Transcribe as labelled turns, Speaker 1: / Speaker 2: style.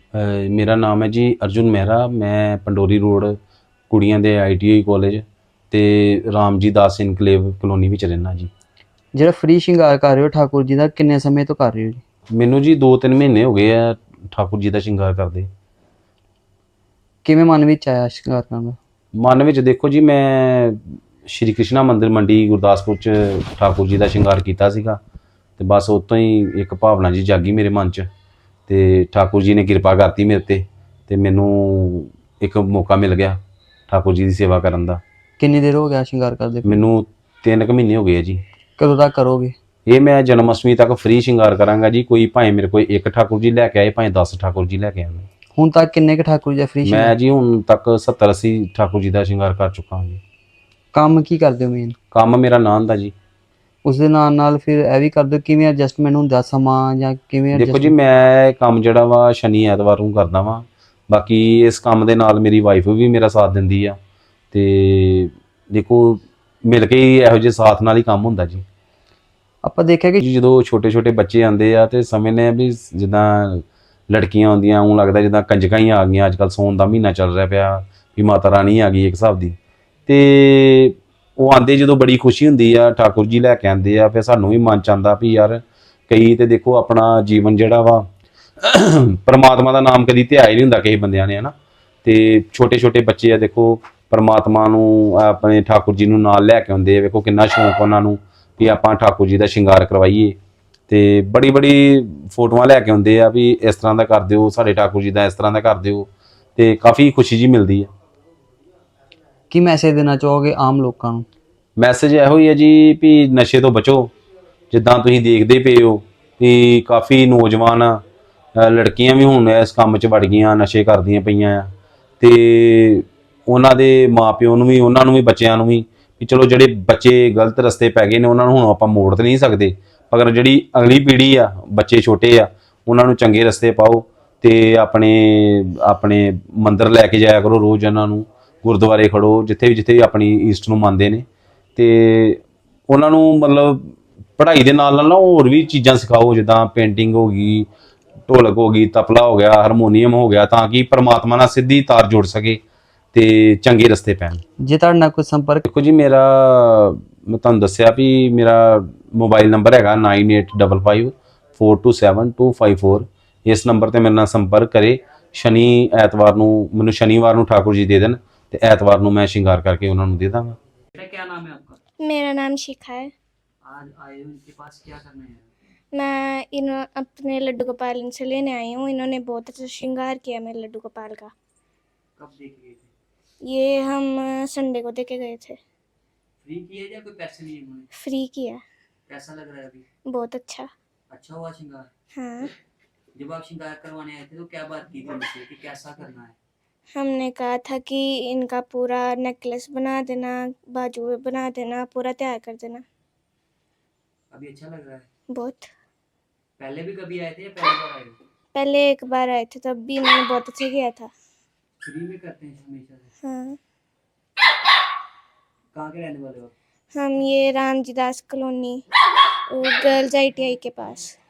Speaker 1: ਮੇਰਾ ਨਾਮ ਹੈ ਜੀ ਅਰਜੁਨ ਮਹਿਰਾ। ਮੈਂ ਪੰਡੋਰੀ ਰੋਡ ਕੁੜੀਆਂ ਦੇ ITI ਕਾਲਜ ਤੇ ਰਾਮ ਜੀ ਦਾਸ ਇਨਕਲੇਵ ਕਲੋਨੀ ਵਿੱਚ ਰਹਿਣਾ ਜੀ।
Speaker 2: ਜਿਹੜਾ ਫ੍ਰੀ ਸ਼ਿੰਗਾਰ ਕਰ ਰਹੇ ਹੋ ਠਾਕੁਰ ਜੀ ਦਾ, ਕਿੰਨੇ ਸਮੇਂ ਤੋਂ ਕਰ ਰਹੇ ਹੋ ਜੀ?
Speaker 1: ਮੈਨੂੰ ਜੀ 2-3 ਮਹੀਨੇ ਹੋ ਗਏ ਆ ਠਾਕੁਰ ਜੀ ਦਾ ਸ਼ਿੰਗਾਰ ਕਰਦੇ।
Speaker 2: ਕਿਵੇਂ ਮਨ ਵਿੱਚ ਆਇਆ ਸ਼ਿੰਗਾਰ ਕਰਨ ਦਾ?
Speaker 1: ਮਨ ਵਿੱਚ ਦੇਖੋ ਜੀ, ਮੈਂ ਸ਼੍ਰੀ ਕ੍ਰਿਸ਼ਨਾ ਮੰਦਿਰ ਮੰਡੀ ਗੁਰਦਾਸਪੁਰ 'ਚ ਠਾਕੁਰ ਜੀ ਦਾ ਸ਼ਿੰਗਾਰ ਕੀਤਾ ਸੀਗਾ ਤੇ ਬਸ ਉਤੋਂ ਹੀ ਇੱਕ ਭਾਵਨਾ ਜੀ ਜਾਗੀ ਮੇਰੇ ਮਨ 'ਚ ਤੇ ਠਾਕੁਰ ਜੀ ਨੇ ਕਿਰਪਾ ਕਰਤੀ ਮੇਰੇ ਤੇ ਮੈਨੂੰ ਇੱਕ ਮੌਕਾ ਮਿਲ ਗਿਆ ਠਾਕੁਰ ਜੀ ਦੀ ਸੇਵਾ ਕਰਨ ਦਾ।
Speaker 2: ਕਿੰਨੀ ਦੇਰ ਹੋ ਗਿਆ ਸ਼ਿੰਗਾਰ ਕਰਦੇ ਪਏ?
Speaker 1: ਮੈਨੂੰ 3 ਕੁ ਮਹੀਨੇ ਹੋ ਗਏ ਆ ਜੀ।
Speaker 2: ਕਦੋਂ ਤੱਕ ਕਰੋਗੇ?
Speaker 1: ਇਹ ਮੈਂ ਜਨਮ ਅਸ਼ਟਮੀ ਤੱਕ ਫ੍ਰੀ ਸ਼ਿੰਗਾਰ ਕਰਾਂਗਾ ਜੀ। ਕੋਈ ਭਾਵੇਂ ਮੇਰੇ ਕੋਲ ਇੱਕ ਠਾਕੁਰ ਜੀ ਲੈ ਕੇ ਆਏ, ਭਾਵੇਂ 10 ਠਾਕੁਰ ਜੀ ਲੈ ਕੇ ਆਉਣ।
Speaker 2: ਹੁਣ ਤੱਕ ਕਿੰਨੇ ਕੁ ਠਾਕੁਰ ਜੀ ਦਾ ਫ੍ਰੀ
Speaker 1: ਮੈਂ
Speaker 2: ਸ਼ਿੰਗਾਰ?
Speaker 1: ਜੀ ਹੁਣ ਤੱਕ 70-80 ਠਾਕੁਰ ਜੀ ਦਾ ਸ਼ਿੰਗਾਰ ਕਰ ਚੁੱਕਾ ਹਾਂ ਜੀ।
Speaker 2: ਕੰਮ ਕੀ ਕਰਦੇ ਹੋ ਮੇਨ?
Speaker 1: ਕੰਮ ਮੇਰਾ ਨਾਂ ਦਾ ਜੀ।
Speaker 2: ਉਸ ਦੇ ਨਾਲ ਫਿਰ ਇਹ ਵੀ ਕਰਦੇ ਹੋ, ਕਿਵੇਂ ਐਡਜਸਟਮੈਂਟ ਹੁੰਦਾ ਸਮਾਂ ਜਾਂ ਕਿਵੇਂ
Speaker 1: ਦੇਖੋ ਜੀ,
Speaker 2: adjustment?
Speaker 1: ਮੈਂ ਇਹ ਕੰਮ ਜਿਹੜਾ ਵਾ ਸ਼ਨੀ ਐਤਵਾਰ ਨੂੰ ਕਰਦਾ ਵਾਂ। ਬਾਕੀ ਇਸ ਕੰਮ ਦੇ ਨਾਲ ਮੇਰੀ ਵਾਈਫ ਵੀ ਮੇਰਾ ਸਾਥ ਦਿੰਦੀ ਆ ਤੇ ਦੇਖੋ ਮਿਲ ਕੇ ਹੀ ਇਹੋ ਜਿਹੇ ਸਾਥ ਨਾਲ ਹੀ ਕੰਮ ਹੁੰਦਾ ਜੀ।
Speaker 2: ਆਪਾਂ ਦੇਖਿਆ ਕਿ
Speaker 1: ਜਦੋਂ ਛੋਟੇ ਬੱਚੇ ਆਉਂਦੇ ਆ ਤੇ ਸਮਝਦੇ ਆ ਵੀ ਜਿੱਦਾਂ ਲੜਕੀਆਂ ਆਉਂਦੀਆਂ ਉਹ ਲੱਗਦਾ ਜਿੱਦਾਂ ਕੰਜਕਾਂ ਹੀ ਆ ਗਈਆਂ। ਅੱਜ ਕੱਲ੍ਹ ਸੌਣ ਦਾ ਮਹੀਨਾ ਚੱਲ ਰਿਹਾ ਪਿਆ ਵੀ ਮਾਤਾ ਰਾਣੀ ਆ ਗਈ ਇੱਕ ਹਿਸਾਬ ਦੀ। ਤੇ ਉਹ ਆਉਂਦੇ ਜਦੋਂ ਬੜੀ ਖੁਸ਼ੀ ਹੁੰਦੀ ਆ, ਠਾਕੁਰ ਜੀ ਲੈ ਕੇ ਆਉਂਦੇ ਆ, ਫਿਰ ਸਾਨੂੰ ਵੀ ਮਨ ਚ ਆਉਂਦਾ ਵੀ ਯਾਰ ਕਈ ਤੇ ਦੇਖੋ ਆਪਣਾ ਜੀਵਨ ਜਿਹੜਾ ਵਾ ਪਰਮਾਤਮਾ ਦਾ ਨਾਮ ਕਦੀ ਧਿਆਇਆ ਹੀ ਨਹੀਂ ਹੁੰਦਾ ਕਿਸੇ ਬੰਦਿਆਂ ਨੇ, ਹਨਾ। ਤੇ ਛੋਟੇ ਬੱਚੇ ਆ ਦੇਖੋ ਪਰਮਾਤਮਾ ਨੂੰ ਆਪਣੇ ਠਾਕੁਰ ਜੀ ਨੂੰ ਨਾਲ ਲੈ ਕੇ ਆਉਂਦੇ ਆ। ਵੇਖੋ ਕਿੰਨਾ ਸ਼ੌਂਕ ਉਹਨਾਂ ਨੂੰ ਵੀ ਆਪਾਂ ਠਾਕੁਰ ਜੀ ਦਾ ਸ਼ਿੰਗਾਰ ਕਰਵਾਈਏ ਤੇ ਬੜੀ ਫੋਟੋਆਂ ਲੈ ਕੇ ਆਉਂਦੇ ਆ ਵੀ ਇਸ ਤਰ੍ਹਾਂ ਦਾ ਕਰ ਦਿਓ, ਸਾਡੇ ਠਾਕੁਰ ਜੀ ਦਾ ਇਸ ਤਰ੍ਹਾਂ ਦਾ ਕਰ ਦਿਓ ਤੇ ਕਾਫੀ ਖੁਸ਼ੀ ਜੀ ਮਿਲਦੀ ਹੈ।
Speaker 2: ਕੀ ਮੈਸੇਜ ਦੇਣਾ ਚਾਹੋਗੇ ਆਮ ਲੋਕਾਂ ਨੂੰ?
Speaker 1: ਮੈਸੇਜ ਇਹੋ ਹੀ ਹੈ ਜੀ ਵੀ ਨਸ਼ੇ ਤੋਂ ਬਚੋ। ਜਿੱਦਾਂ ਤੁਸੀਂ ਦੇਖਦੇ ਪਏ ਹੋ ਵੀ ਕਾਫੀ ਨੌਜਵਾਨ ਲੜਕੀਆਂ ਵੀ ਹੁਣ ਇਸ ਕੰਮ 'ਚ ਵੜ ਗਈਆਂ, ਨਸ਼ੇ ਕਰਦੀਆਂ ਪਈਆਂ ਆ ਤੇ ਉਹਨਾਂ ਦੇ ਮਾਪਿਓ ਨੂੰ ਵੀ, ਉਹਨਾਂ ਨੂੰ ਵੀ, ਬੱਚਿਆਂ ਨੂੰ ਵੀ ਚਲੋ ਜਿਹੜੇ ਬੱਚੇ ਗਲਤ ਰਸਤੇ ਪੈ ਗਏ ਨੇ ਉਹਨਾਂ ਨੂੰ ਹੁਣ ਆਪਾਂ ਮੋੜ ਤਾਂ ਨਹੀਂ ਸਕਦੇ, ਮਗਰ ਜਿਹੜੀ ਅਗਲੀ ਪੀੜ੍ਹੀ ਆ, ਬੱਚੇ ਛੋਟੇ ਆ, ਉਹਨਾਂ ਨੂੰ ਚੰਗੇ ਰਸਤੇ ਪਾਓ ਤੇ ਆਪਣੇ ਮੰਦਿਰ ਲੈ ਕੇ ਜਾਇਆ ਕਰੋ ਰੋਜ਼। ਉਹਨਾਂ ਨੂੰ ਗੁਰਦੁਆਰੇ ਖੜੋ, ਜਿੱਥੇ ਵੀ ਆਪਣੀ ਈਸਟ ਨੂੰ ਮੰਨਦੇ ਨੇ ਤੇ ਉਹਨਾਂ ਨੂੰ ਮਤਲਬ ਪੜ੍ਹਾਈ ਦੇ ਨਾਲ ਨਾ ਹੋਰ ਵੀ ਚੀਜ਼ਾਂ ਸਿਖਾਓ, ਜਿੱਦਾਂ ਪੇਂਟਿੰਗ ਹੋ ਗਈ, ਢੋਲਕ ਹੋ ਗਈ, ਤਬਲਾ ਹੋ ਗਿਆ, ਹਾਰਮੋਨੀਅਮ ਹੋ ਗਿਆ, ਤਾਂ ਕਿ ਪਰਮਾਤਮਾ ਨਾਲ ਸਿੱਧੀ ਤਾਰ ਜੁੜ ਸਕੇ ਤੇ ਚੰਗੇ ਰਸਤੇ ਪੈਣ।
Speaker 2: ਜੇ ਤੁਹਾਡੇ ਨਾਲ ਕੋਈ ਸੰਪਰਕ?
Speaker 1: ਦੇਖੋ ਜੀ, ਮੈਂ ਤੁਹਾਨੂੰ ਦੱਸਿਆ ਵੀ ਮੇਰਾ ਮੋਬਾਈਲ ਨੰਬਰ ਹੈਗਾ 9855427254। ਇਸ ਨੰਬਰ ਤੇ ਮੇਰੇ ਨਾਲ ਸੰਪਰਕ ਕਰੇ। ਐਤਵਾਰ ਨੂੰ ਮੈਨੂੰ ਸ਼ਨੀਵਾਰ ਨੂੰ ਠਾकुर जी दे देन ਤੇ ਐਤਵਾਰ ਨੂੰ ਮੈਂ ਸ਼ਿੰਗਾਰ ਕਰਕੇ ਉਹਨਾਂ ਨੂੰ ਦੇ ਦਾਂਗਾ।
Speaker 3: क्या नाम है आपका?
Speaker 4: मेरा नाम शिखा है।
Speaker 3: आज आए हो इनके पास, क्या करना है?
Speaker 4: मैं अपने लड्डू गोपाल इनसे लेने आई हूँ। इन्होंने बहुत अच्छा श्रृंगार किया मेरे लड्डू गोपाल का।
Speaker 3: कब देख गए थे?
Speaker 4: ये हम संडे को देके गए थे।
Speaker 3: फ्री किया या कोई पैसे लिए इन्होंने?
Speaker 4: फ्री किया।
Speaker 3: कैसा लग रहा है अभी?
Speaker 4: बहुत अच्छा।
Speaker 3: अच्छा हुआ श्रृंगार?
Speaker 4: हाँ।
Speaker 3: जब आप श्रृंगार करवाने आए थे तो क्या बात की थी उनसे कि कैसा करना है?
Speaker 4: हमने कहा था कि इनका पूरा नेकलेस बना देना, बाजू बना देना, पूरा तैयार कर देना।
Speaker 3: अभी अच्छा लग रहा है?
Speaker 4: बहुत।
Speaker 3: पहले भी कभी आए थे या पहली बार आए हो?
Speaker 4: पहले एक बार आए थे, तब भी इन्होंने बहुत अच्छा किया था।
Speaker 3: फ्री में करते हैं हमेशा से?
Speaker 4: हाँ।
Speaker 3: कहाँ के रहने वाले हो आप?
Speaker 4: हम ये Ram ji Das colony girls ITI के पास।